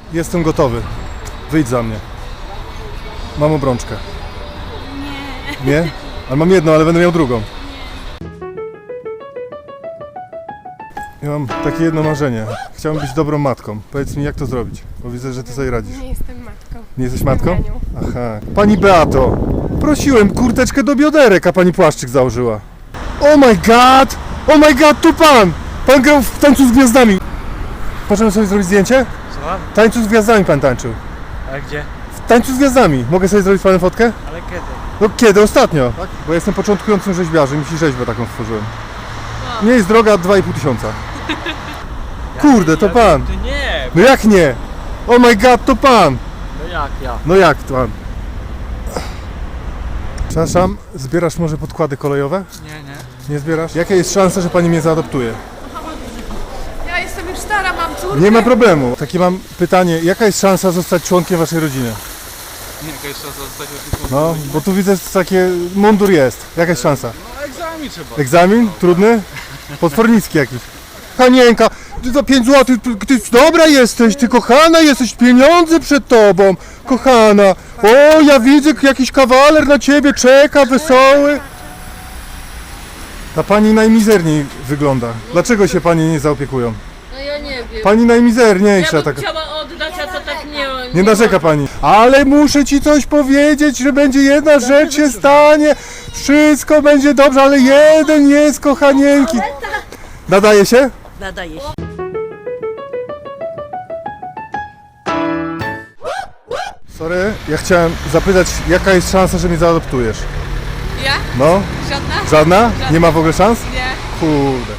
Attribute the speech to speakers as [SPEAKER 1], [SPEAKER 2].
[SPEAKER 1] Jestem gotowy. Wyjdź za mnie. Mam obrączkę. Nie. Nie? Ale mam jedną, ale będę miał drugą. Ja mam takie jedno marzenie. Chciałbym być dobrą matką. Powiedz mi, jak to zrobić? Bo widzę, że ty sobie radzisz.
[SPEAKER 2] Nie jestem matką.
[SPEAKER 1] Nie jesteś matką?
[SPEAKER 2] Jestem nianią.
[SPEAKER 1] Aha. Pani Beato, prosiłem kurteczkę do bioderek, a pani płaszczyk założyła. Oh my god! Oh my god, tu pan! Pan grał w Tańcu z Gwiazdami. Możemy sobie zrobić zdjęcie?
[SPEAKER 3] Słucham?
[SPEAKER 1] W Tańcu z Gwiazdami pan tańczył.
[SPEAKER 3] A gdzie?
[SPEAKER 1] W Tańcu z Gwiazdami. Mogę sobie zrobić z panem fotkę?
[SPEAKER 3] Ale kiedy?
[SPEAKER 1] No kiedy? Ostatnio. Tak? Bo ja jestem początkującym rzeźbiarzem i rzeźbę taką stworzyłem. Nie jest droga 2,5 tysiąca. Kurde, to pan.
[SPEAKER 3] To nie!
[SPEAKER 1] No jak nie? Oh my god, to pan.
[SPEAKER 3] No jak ja?
[SPEAKER 1] No jak pan? Przepraszam, zbierasz może podkłady kolejowe?
[SPEAKER 3] Nie.
[SPEAKER 1] Nie zbierasz? Jaka jest szansa, że pani mnie zaadoptuje?
[SPEAKER 2] Ja jestem już stara, mam córkę.
[SPEAKER 1] Nie ma problemu. Takie mam pytanie, jaka jest szansa zostać członkiem waszej rodziny?
[SPEAKER 3] Nie, jaka jest szansa zostać opiekunem?
[SPEAKER 1] No, bo tu widzę takie, mundur jest. Jaka jest szansa?
[SPEAKER 3] No egzamin trzeba.
[SPEAKER 1] Egzamin? Trudny? Potwornicki jakiś. Hanienka, ty za 5 zł, ty dobra jesteś, ty kochana jesteś, pieniądze przed tobą, kochana. O, ja widzę, jakiś kawaler na ciebie czeka, wesoły. Ta pani najmizerniej wygląda. Dlaczego się pani nie zaopiekują?
[SPEAKER 4] No ja nie wiem.
[SPEAKER 1] Pani najmizerniejsza
[SPEAKER 4] Ja bym
[SPEAKER 1] taka.
[SPEAKER 4] chciała oddać, a to tak
[SPEAKER 1] Nie narzeka pani. Ale muszę ci coś powiedzieć, że będzie jedna rzecz się stanie. Wszystko będzie dobrze, ale jeden jest kochanieńki. Nadaje się?
[SPEAKER 4] Nadaje się.
[SPEAKER 1] Sorry, ja chciałem zapytać, jaka jest szansa, że mnie zaadoptujesz?
[SPEAKER 2] Ja?
[SPEAKER 1] No?
[SPEAKER 2] Żadna?
[SPEAKER 1] Żadna? Nie ma w ogóle szans?
[SPEAKER 2] Nie.
[SPEAKER 1] Kurde.